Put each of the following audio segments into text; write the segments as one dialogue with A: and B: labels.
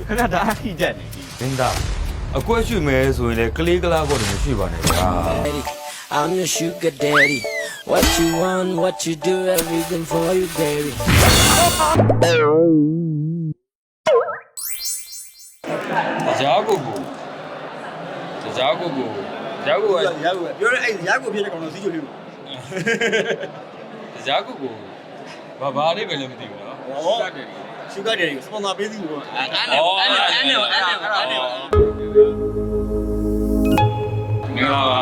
A: ခဏတအားကြီးတက်နေပြီ
B: မင်းသားအကွက်ရွှေမယ်ဆိုရင်လေကလေးကလားကောတည်းမရှိပါနဲ့ဗျာ
C: I'm your sugar daddy. What you want, what you do, everything for you, baby.
D: ကြားကိုကိုကြားကိုကိုကြားကိုက
A: ရောက်ပြောရဲအဲ့ရောက်ကိုဖြစ်တဲ့ကောင်တော့စီးချိုလေးကို
D: ကြားကိုကိုဘာလေးပဲလည်းမသိဘူးနော်
A: ဟောရှုဂါတယ်စပွန်ဆာပေးစီကိုအဲ့နဲ့
D: မင်္ဂလာပါ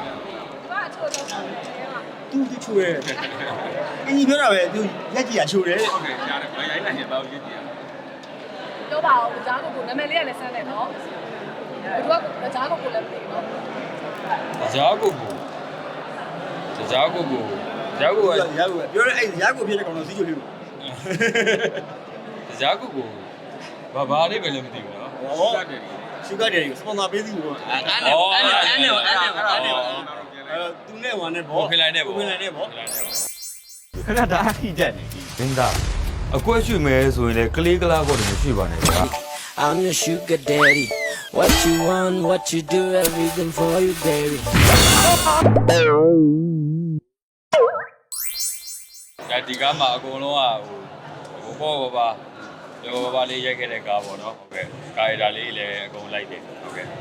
A: သူချိုရဲအင်းကြီးပြောတာပဲသူလက်ကြီးကချိုတယ်
D: ဟုတ်ကဲ့ကြားတယ်ဘာရိုင်းလိုက်ရင်ဘာလို့ရည်ကြည့်ရ
E: ပြောပါဦးကြားကိုနာမည်လေးကလည်းဆန်းတယ်နော်ဘယ်သူကကြားကိုလည်းမသိနော်
D: ကြားကိုကိုကြားကိုကိုကြားကိုက
A: ရောက်ပြောရဲအဲ့ရောက်ကိုဖြစ်တဲ့ကောင်တော့စီးချိုလေးကို
D: ကြားကိုကိုဘာလေးပဲလည်းမသိဘူးနော်
A: ဟောရှုဂါတယ်စပွန်ဆာပေးစီကိုအဲ့သူနဲ့ဝါနဲ့ဗော
D: ဖိလိုက်နဲ့ပေါ့
A: ဖိလိုက်နဲ့ဗော
D: ဖိလိုက်နဲ့ပေါ့
A: ခဏတအားကြီးတက်နေပြီ
B: မင်းသားအကွက်ရွှေမယ်ဆိုရင်လေကလေးကလားကောတည်းမရှိပါနဲ့ဗျာ
C: I'm your sugar daddy. What you want, what you do, everything for you, baby.
D: ဒါဒီကားမှာအကုန်လုံးကဟိုပေါ့ဘာလေးရိုက်ခဲ့တဲ့ကားပေါ့နော်ဟုတ်ကဲ့ကာရီတာလေးလည်းအကုန်လိုက်တယ်ဟုတ်ကဲ့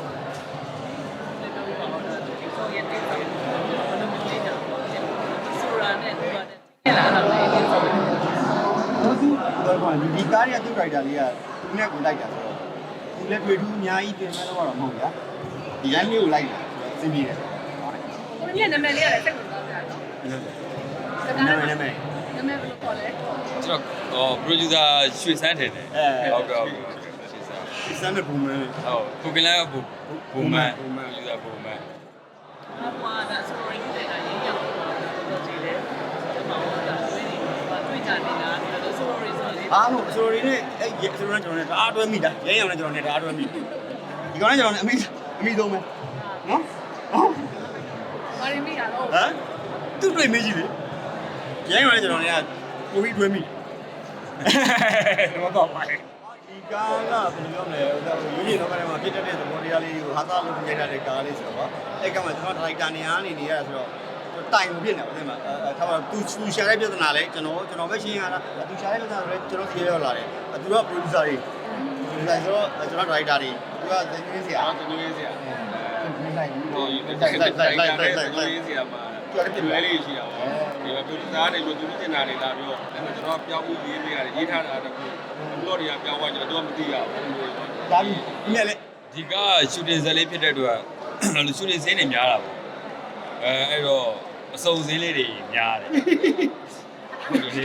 A: ဒီကားရဲ့သူ့ character လေးကသူနဲ့ကိုလိုက်တာဆိုတော့သူလည်းတွေ့ထူးအများကြီးပြင်မဲ့တော့မဟုတ်ဗျာဒီလမ်းလေးကိုလိုက်တာစင်ပြေတယ်
E: ကိုမြနာမည်လေးကလည်းစိတ်ဝင်စားကြနော်
A: နာမည်
E: နာမည်ဘယ်လိုခေါ်လဲ
D: ကျွန်တော်producer ရွှေစန်းထင်တယ်ဟုတ်ကဲ့ရွှေစန်း
A: ဒီစမ်းမဲ့ပုံမှန်
D: ဟုတ်ကိုကလည်းဘူမန် producer ဘူမန်
E: ဟွာဒါဆိုရင်ဒီကရေးရအောင်တော့ကြည့်တယ်ကျွန်တော်ကဒါတွေ့ကြနေတာဒါဆိုရင်ဆိုလေ
A: အားလို့ဆိုရီနဲ့အဲ့ဆိုရင်ကျွန်တော်နဲ့တအားတွဲမိတာရဲရောင်နဲ့ကျွန်တော်နဲ့တအားတွဲမိဒီကောင်နဲ့ကျွန်တော်နဲ့အမိသုံးမယ်နော်ဟုတ်
E: ဘာရင်းမိရတော့
A: ဟမ်သူ့တွေ့မေးကြည့်လေရဲရောင်နဲ့ကျွန်တော်နဲ့ကကိုပြီးတွဲမိတော့တော့ပါဒီကားကဘယ်လိုပြောမလဲဟိုရိုးရိုးတော့မှဖြစ်တဲ့သဘောတရားလေးကိုဟာသားလို့ပြလိုက်တဲ့ကားလေးဆိုတော့အဲ့ကမှကျွန်တော်ဒရိုက်တာနေအားနေရတာဆိုတော့တိုင်ကိုဖြစ်နေပါဦးမှာထားပါသူရှာတဲ့ပြဿနာလဲကျွန်တော်ပဲရှင်းရတာသူရှာတဲ့ပြဿနာလဲကျွန်တော်ဖြေရလာတယ်သူက producer တွေဆိုတော့ကျွန်တော် director တွေသူကသင်ရင်းစရာ
D: တနည်းစရာ
A: လိုက်ဘူး
D: ဒီရေးစရာမှာဒီလိုလေးရှိတာပေါ့ဒီ producer တွေလို့သူတင်တာတွေလာပြီးတော့ကျွန်တော်ပြောင်းပြီးရေးပေးရတယ်ရေးထားတာတခုဘလော့တွေကပြောင်းသွားကြတော့မသိရဘူး
A: ဒါပြီးမြက်လေ
D: ဒီကရှူတင်ဇာတ်လေးဖြစ်တဲ့အတွက်ရှူတင်စင်းတွေများတာပေါ့အဲ့တော့အစုံစင်းလေးတွေများတယ်ဟုတ်တယ်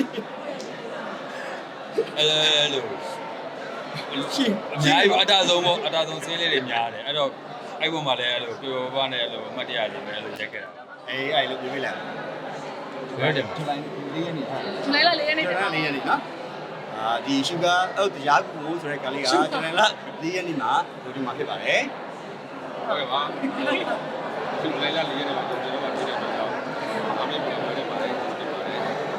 D: အဲ့လို
A: ရှင်း
D: အများကြီးအတားဆုံးပေါ့အတားဆုံးစင်းလေးတွေများတယ်အဲ့တော့အဲ့ဘုံမှာလည်းအဲ့လိုပြောပါနဲ့အဲ့လိုအမှတ်တရလေးပဲအဲ့လိုရက်ခဲ့တာ
A: အေးအဲ့လိုပြေးလိုက်
D: ဘယ်တယ်
A: ဒီလိုင်းလေးရနေဟာ
E: လိုက်လာလေးရက်နေတယ်
A: လေးရနေနော်ဒီ sugar တရားကူဆိုတဲ့ကလေးကကျွန်တော်လာလေးရနေမှာဒီမှာဖြစ်ပါတယ်
D: ဟုတ်ကဲ့ပါသူလည်းလာလေးရတယ်ကျွန်တော်ကဖြစ်တဲ့တော့အမေပြောတယ်ပါတယ်ဖြစ်ပါတယ်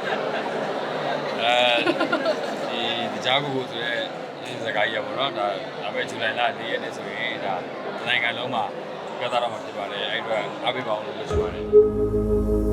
D: ဒီကြားကူဆိုရဲဒီစကားကြီးရပါတော့ဒါပေမဲ့ဇူလိုင်လ4ရက်နေ့ဆိုရင်ဒါနိုင်ငံလုံးမှာကစားတော့မှာဖြစ်ပါတယ်အဲ့အတွက်အားပေးပါအောင်လို့ပြောချင်ပါတယ်